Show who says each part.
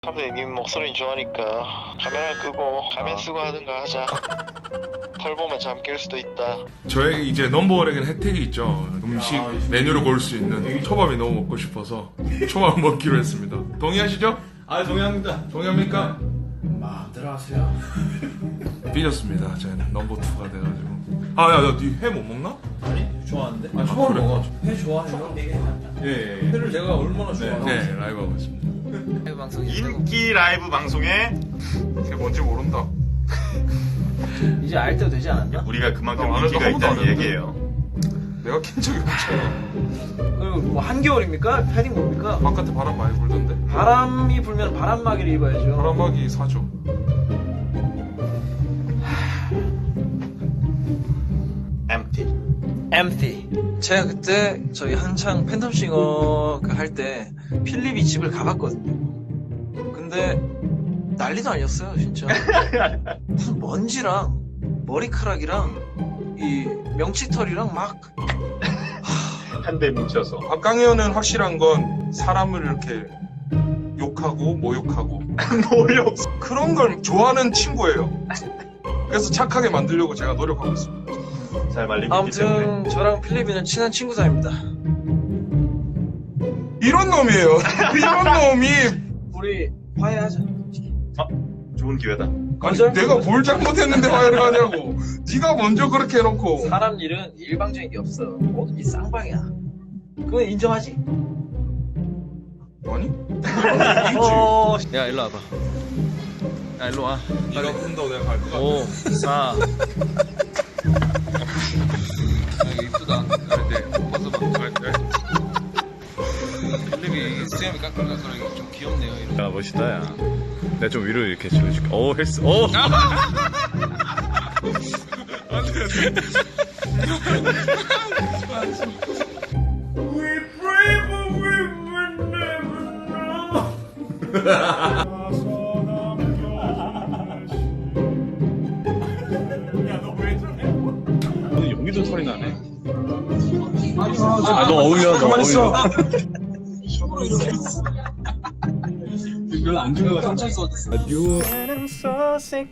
Speaker 1: 사람들이 님 목소리 좋아하니까 카메라 끄고 가면 쓰고 하든가 하자. 털 보면 잠 깰 수도 있다.
Speaker 2: 저에게 이제 넘버원에게는 혜택이 있죠. 음식 메뉴를 고를 수 있는 초밥이 너무 먹고 싶어서 초밥 먹기로 했습니다. 동의하시죠?
Speaker 3: 아, 동의합니다.
Speaker 2: 동의합니까?
Speaker 3: 마음대로 하세요.
Speaker 2: 삐졌습니다. 저는 넘버2가 돼가지고. 야, 니 회 못 먹나?
Speaker 3: 아니, 좋아하는데?
Speaker 2: 초밥
Speaker 3: 그래?
Speaker 2: 먹어.
Speaker 3: 회 좋아해요?
Speaker 2: 예.
Speaker 3: 회를 내가 얼마나 좋아하는데?
Speaker 2: 네, 라이브 하고 있습니다.
Speaker 4: 인기 라이브 방송에
Speaker 2: 그게 뭔지 모른다.
Speaker 5: 이제 알 때도 되지 않았나?
Speaker 4: 우리가 그만큼
Speaker 2: 안 해도
Speaker 4: 인기가
Speaker 2: 한 번도 안
Speaker 4: 있다는
Speaker 2: 했는데?
Speaker 4: 얘기예요.
Speaker 2: 내가 킨 적이 없잖아.
Speaker 5: 그리고 뭐 한겨울입니까? 패딩 뭡니까?
Speaker 2: 바깥에 바람 많이 불던데.
Speaker 5: 바람이 불면 바람막이를 입어야죠.
Speaker 2: 바람막이 사죠.
Speaker 5: empty. 제가 그때 저희 한창 팬텀싱어 할 때 필립이 집을 가봤거든요. 근데 난리도 아니었어요, 진짜. 무슨 먼지랑 머리카락이랑 이 명치털이랑 막
Speaker 4: 한 대 뭉쳐서.
Speaker 2: 박강현은 확실한 건 사람을 이렇게 욕하고 모욕하고
Speaker 4: 모욕.
Speaker 2: 그런 걸 좋아하는 친구예요. 그래서 착하게 만들려고 제가 노력하고 있습니다.
Speaker 4: 잘 말리고 있기 때문에.
Speaker 5: 아무튼 저랑 필립이는 친한 친구 사이입니다.
Speaker 2: 이런 놈이에요. 이런 놈이
Speaker 5: 우리 화해하자.
Speaker 4: 좋은 기회다.
Speaker 2: 아니
Speaker 5: 거절?
Speaker 2: 내가 뭘 잘못했는데 화해를 하냐고. 네가 먼저 그렇게 해놓고.
Speaker 5: 사람 일은 일방적인 게 없어. 뭐든지 쌍방이야. 그건 인정하지?
Speaker 2: 아니?
Speaker 5: 야, 일로 와봐. 야, 일로 와.
Speaker 2: 네가 푼다고 내가 갈 거야.
Speaker 5: 5, 4.
Speaker 6: 여기 이쁘다. 그런데 벗어봐. 필립이 수염이 까끌까끌하게 좀 귀엽네요. 이런.
Speaker 4: 야, 멋있다, 야. 내가 좀 위로 이렇게 질러줄게. 오, 헬스. 오! 여기도 소리 나네. 아, 너 어울려, 너 어울려.
Speaker 3: 별로 안 좋아해서 깜짝 놀랐어.